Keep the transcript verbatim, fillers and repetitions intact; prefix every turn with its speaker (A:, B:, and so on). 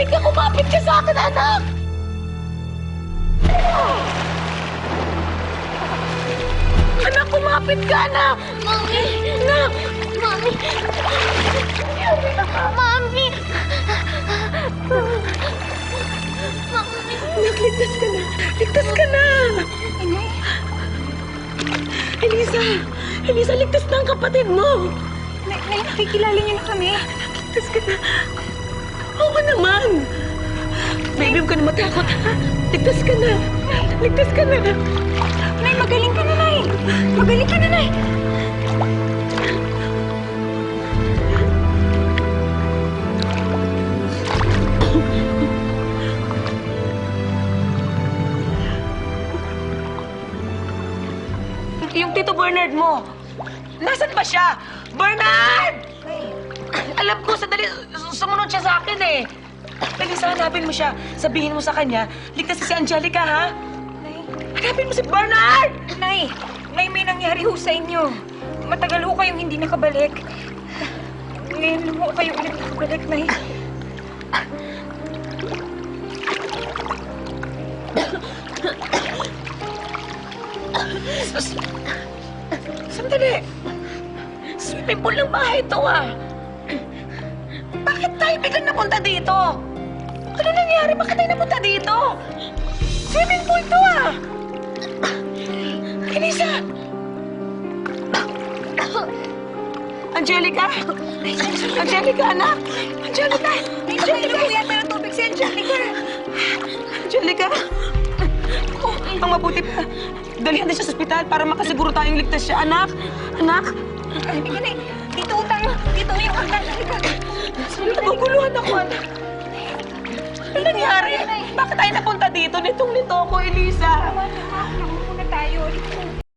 A: ka, kumapit ka sa akin, anak! Anak, kumapit ka, anak!
B: Mami!
A: Anak!
B: Mami! Mami! Mami!
A: Anak, ligtas ka na! Ligtas ka na!
B: Inay!
A: Elisa! Elisa, ligtas na ang kapatid mo!
B: Nay, nay, nakikilala niyo na kami.
A: Ligtas ka na! Oo naman! Baby, huwag ka na matakot, ha? Ligtas ka na! Ligtas ka na!
B: Nay, magaling ka na, Nay! Magaling ka na, Nay!
A: Yung Tito Bernard mo, nasan ba siya? Bernard! Alam ko, sandali, sumunod siya sa akin eh. Elisa, hanapin mo siya. Sabihin mo sa kanya, ligtas si Angelica, ha?
B: Nay!
A: Hanapin mo si Bernard!
B: Nay! Nay, may nangyari ho sa inyo. Matagal ho kayong hindi nakabalik. Ngayon ho kayo ulit nakabalik, Nay.
A: Sandali. Swimming pool ng bahay ito, ah. Bakit tayo biglang napunta dito? Ano nangyari? Bakit tayo napunta dito? Swimming pool to, ah. Elisa! Angelica? Angelica, anak! Angelica! Angelica!
B: Ay, yata ng tubig si Angelica.
A: Angelica! Oh, ang mabuti pa. Dalihan din siya sa ospital para makasiguro tayong ligtas siya. Anak! Anak!
B: Ay, hindi Nay. Dito ho tayo. Dito ho yung hanggang. Halika.
A: Naguguluhan ako, anak. Ano nangyari? Bakit tayo napunta dito? Nitong-nito ako, Elisa.
B: Tama na,